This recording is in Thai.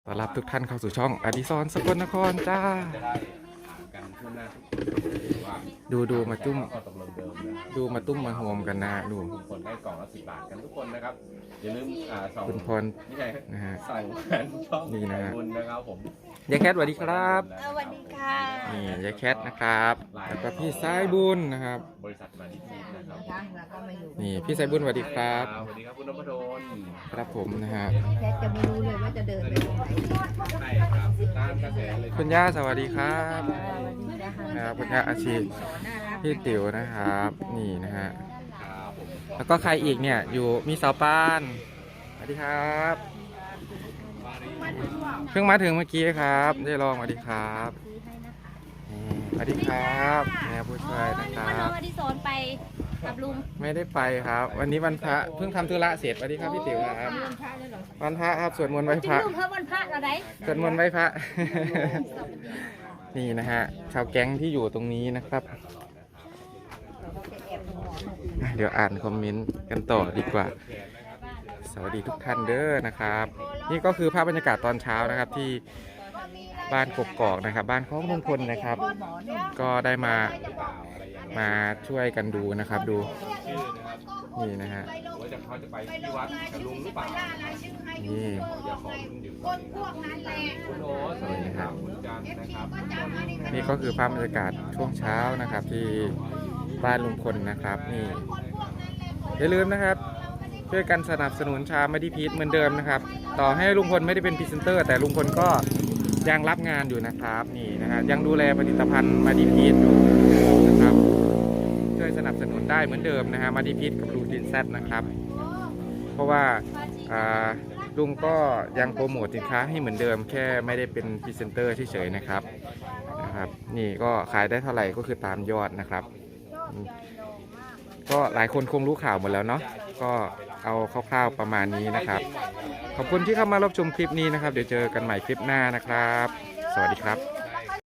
ต้อนรับทุกท่านเข้าสู่ช่องอดิศรสกลนครจ้าดูมาตุ้มมาโฮมกันนะดูทุกคนได้กล่องละ10 บาทกันทุกคนนะครับอย่าลืมส่งคุณพรนี่ไงนะฮะสั่งแฟนช่องนี่นะฮะบุญนะครับผมยายแคทสวัสดีครับสวัสดีค่ะนี่ยายแคทนะครับแล้วก็พี่สายบุญนะครับบริษัทมาดิทีนะครับแล้วก็มาอยู่นี่พี่สายบุญสวัสดีครับสวัสดีครับคุณนพดลครับผมนะฮะแค่จะไม่รู้เลยว่าจะเดินไปตรงไหนใช่ครับตามกระแสเลยคุณย่าสวัสดีครับสวัสดีจ้าครับคุณย่าอาชีพน่ารักพี่ติ๋วนะครับนี่นะฮะครับผมแล้วก็ใครอีกเนี่ยอยู่มีสาวปานสวัสดีครับเพิ่งมาถึงเมื่อกี้ครับได้ลองสวัสดีครับนี่สวัสดีครับแม่ผู้ช่วยนะควันรัน้อบ งอดิศรไปกับลุงไม่ได้ไปครับ วันนี้วันพระเพิ่งทำธุระเสร็จสวัสดีครับพี่ติ๋วครับวันพระครับสวดมนต์ไหว้จริพงระลุงเพิ่มวันพระเราได้สวดมนต์ไหว้พระ นี่นะฮะชาวแก๊งที่อยู่ตรงนี้นะครับ เดี๋ยวอ่านคอมเมนต์กันต่อดีกว่า สวัสดีทุกท่านเด้อนะครับ นี่ก็คือภาพบรรยากาศตอนเช้านะครับที่บ้านกกอกนะครับ บ้านของลุงพลนะครับ ก็ได้มาช่วยกันดูนะครับดูนี่นะฮะว่าเขาจะไปที่วัดกับลุงหรือเปล่านี่อย่าขอลุงอยู่ก่อนคุณโอ๊ตสวัสดีครับคุณจันทร์นะครับนี่ก็คือภาพบรรยากาศช่วงเช้านะครับ ที่บ้านลุงพลนะครับนี่อย่าลืมนะครับช่วยกันสนับสนุนชาไม่ได้พีทเหมือนเดิมนะครับ ต่อให้ลุงพลไม่ได้เป็นพรีเซนเตอร์ แต่ลุงพลก็ยังรับงานอยู่นะครับนี่นะฮะยังดูแลผลิตภัณฑ์มาดีพีทอยู่นะครับช่วยสนับสนุนได้เหมือนเดิมนะฮะมาดีพีทกับลูดินแซดนะครับ เพราะว่าลุงก็ยังโปรโมทสินค้าให้เหมือนเดิม แค่ไม่ได้เป็นพรีเซนเตอร์เฉยๆนะครับนี่ก็ขายได้เท่าไหร่ก็คือตามยอดนะครับ ก็หลายคนคงรู้ข่าวหมดแล้วเนาะก็เอาคร่าวๆประมาณนี้นะครับ ขอบคุณที่เข้ามารับชมคลิปนี้นะครับ เดี๋ยวเจอกันใหม่คลิปหน้านะครับ สวัสดีครับ